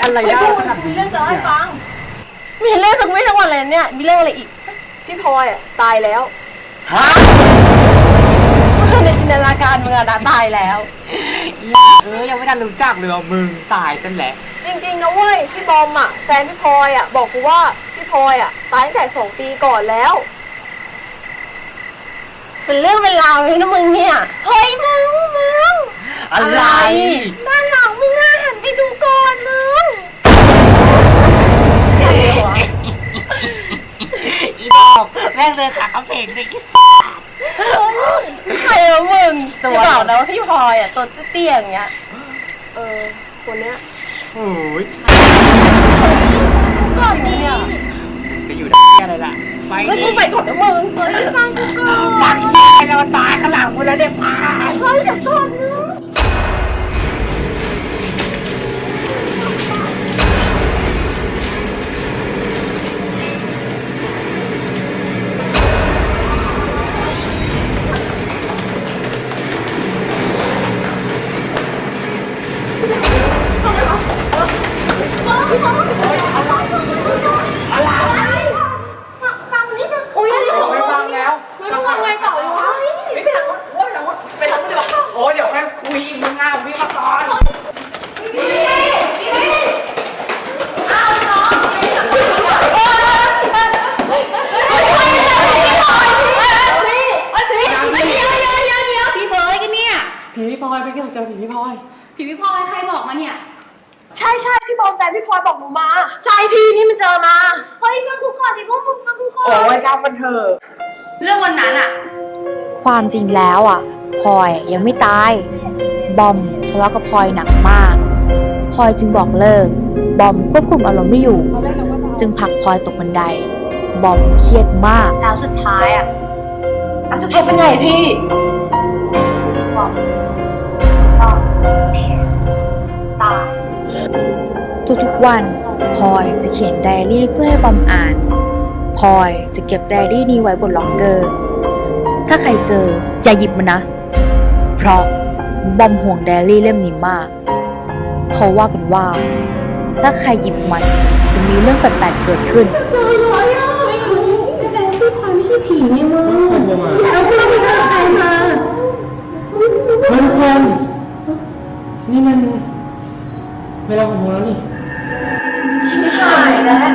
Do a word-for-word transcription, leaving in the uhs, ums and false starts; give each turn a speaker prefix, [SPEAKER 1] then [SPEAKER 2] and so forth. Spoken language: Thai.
[SPEAKER 1] อะไรได้ขนาดนี้
[SPEAKER 2] มีเรื่องจะให้ฟัง
[SPEAKER 3] มีเรื่องสักไม่ทั้งวันเลยเนี่ยมีเรื่องอะไรอีก
[SPEAKER 2] พี่พลอยอ่ะตายแล้ว
[SPEAKER 1] ฮะ
[SPEAKER 3] ในจินตนาการมึงอะนะตายแล้ว
[SPEAKER 1] เออยังไม่ทันรู้จักเลยมึงตายกันแหละ
[SPEAKER 2] จริงๆนะเว้ยพี่บอมอ่ะแฟนพี่พลอยอ่ะบอกกูว่าพี่พลอยอ่ะตายตั้งแต่สองปีก่อนแล้ว
[SPEAKER 3] เป็นเรื่องเป็นราวเลยนะมึงเนี่ย
[SPEAKER 2] เฮ้ยมึงมึง
[SPEAKER 1] อะไร
[SPEAKER 2] ด้านหลังมึงอ่ะหันไปดูก่อนมึง
[SPEAKER 1] อีดอกแม่งเลยขาเขาเพลงเลย
[SPEAKER 3] ใครวะมึงจะบอกนะว่าพี่พลอยอ่ะตัวเตี้ยอย่างเงี้ย
[SPEAKER 2] เออคนเนี้ย
[SPEAKER 1] โอ้ย
[SPEAKER 2] ก่อนนี้
[SPEAKER 1] จะอยู่ได้อะไรล่ะไป
[SPEAKER 3] ดิไปก่อนนะมึงเฮ้ยฟังกูก่อน
[SPEAKER 1] ฟังไปแล้วตายข้างหลังกูแล้วเนี่ยมา
[SPEAKER 2] เฮ้ยจะก่อนนึงฟังนิดนึงโอ้ยได้ของฟังแล้วไม่ฟังไงต่อดีวะไม่ไปทางนู้นว่าไปทางนู้นไปทางนู้นดีกว่า
[SPEAKER 1] โอ้เดี๋ยวแค่คุยมึงงานพี่มาก่อน
[SPEAKER 2] พี่พี่เอาเนาะ
[SPEAKER 4] พี่เบิร์ดกันเนี่ย
[SPEAKER 1] ผีพี่พลอยไปเกี่ยวเจอผีพี่พลอย
[SPEAKER 4] ผีพี่พลอยใครบอกมาเนี่ย
[SPEAKER 2] ใช่ใช่พี่บอมแฟนพี่พลอยบอกหนูมาใช่พี่นี่มันเจอมาเฮ้ยฟังกูก่อนดิพวกมึงฟังกูก่อน
[SPEAKER 1] โอ้ยจ้ามันเถอะ
[SPEAKER 4] เรื่องวันนั้นอะ
[SPEAKER 5] ความจริงแล้วอ่ะพลอยยังไม่ตายบอมทะเลาะกับพลอยหนักมากพลอยจึงบอกเลิกบอมควบคุมอารมณ์ไม่อยู่จึงผลักพลอยตกบันไดบอมเครียดมาก
[SPEAKER 3] แล้วสุดท้ายอ่ะแล้วสุดท้ายเป็นไงพี่บอมก็ตาย
[SPEAKER 5] ทุกๆวันพลอยจะเขียนไดอารี่เพื่อให้บอมอ่านพลอยจะเก็บไดอารี่นี้ไว้บนล็อกเกอร์ถ้าใครเจออย่าหยิบมันนะเพราะบอมห่วงไดอารี่เล่มนี้มากเขาว่ากันว่าถ้าใครหยิบมันจะมีเรื่องแปลกๆเกิดขึ้น
[SPEAKER 2] เจอเลยอ่ะไม่รู้แสดงพี่พลอยไม่ใช่ผีนี่มึงแล้วพี่ไปเจอใครมา
[SPEAKER 1] เฮ้ยทุกคนนี่มันเวลาหกโมงแล้วนี่
[SPEAKER 2] ชิบหายแล้ว